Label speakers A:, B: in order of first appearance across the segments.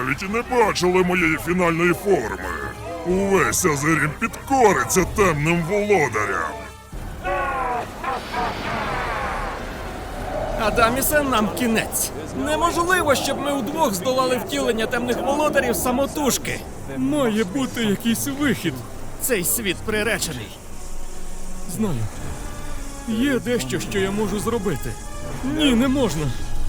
A: навіть і не бачили моєї фінальної форми. Увесь Азерім підкориться темним володарям.
B: Адамісе, нам кінець. Неможливо, щоб ми удвох здолали втілення темних володарів самотужки.
C: Має бути якийсь вихід.
B: Цей світ приречений.
C: Знаю. Є дещо, що я можу зробити. Ні, не можна.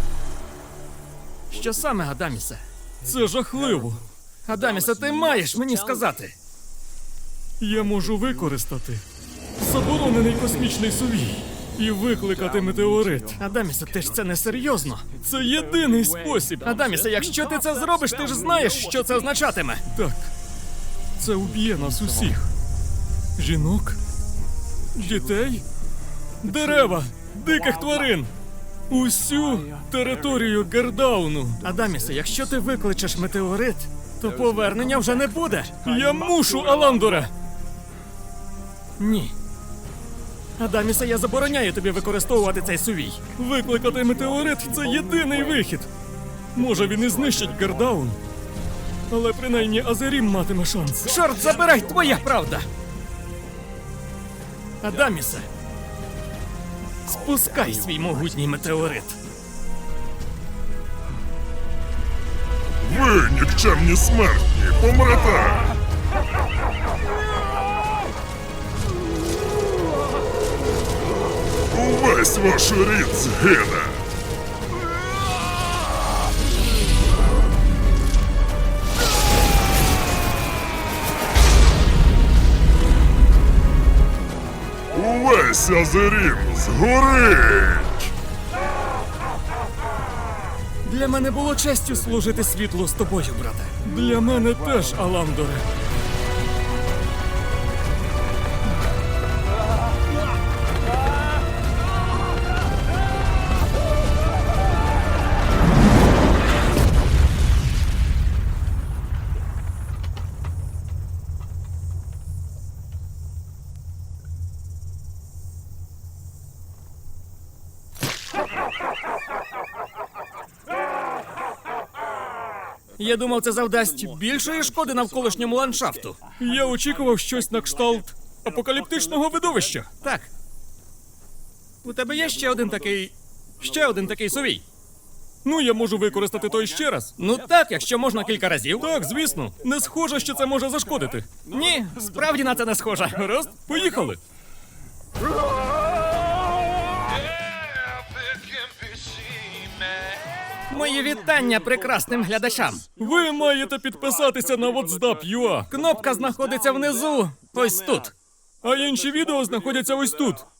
B: Що саме, Адамісе?
C: Це жахливо.
B: Адамісе, ти маєш мені сказати.
C: Я можу використати заборонений космічний сувій і викликати метеорит.
B: Адамісе, ти ж це не серйозно.
C: Це єдиний спосіб.
B: Адамісе, якщо ти це зробиш, ти ж знаєш, що це означатиме.
C: Так. Це уб'є нас усіх. Жінок, дітей, дерева, диких тварин. Усю територію Гердауну.
B: Адамісе, якщо ти викличеш метеорит, то повернення вже не буде.
C: Я мушу, Аландоре!
B: Ні. Адамісе, я забороняю тобі використовувати цей сувій.
C: Викликати метеорит – це єдиний вихід. Може, він і знищить Гердаун, але принаймні Азерім матиме шанс.
B: Чорт забирай, твоя правда! Адамісе, спускай свій могутній метеорит.
A: Ви, нікчемні смертні, помрете! Увесь ваш рід згине! Увесь Азерім згорить!
B: Для мене було честю служити світлу з тобою, брате.
C: Для мене теж, Аландоре.
B: Я думав, це завдасть більшої шкоди навколишньому ландшафту.
C: Я очікував щось на кшталт апокаліптичного видовища.
B: Так. У тебе є ще один такий сувій?
C: Ну, я можу використати той ще раз.
B: Ну так, якщо можна кілька разів.
C: Так, звісно. Не схоже, що це може зашкодити.
B: Ні, справді на це не схоже.
C: Гаразд? Поїхали.
B: Мої вітання прекрасним глядачам.
C: Ви маєте підписатися на WhatsApp.ua.
B: Кнопка знаходиться внизу. Ось тут.
C: А інші відео знаходяться ось тут.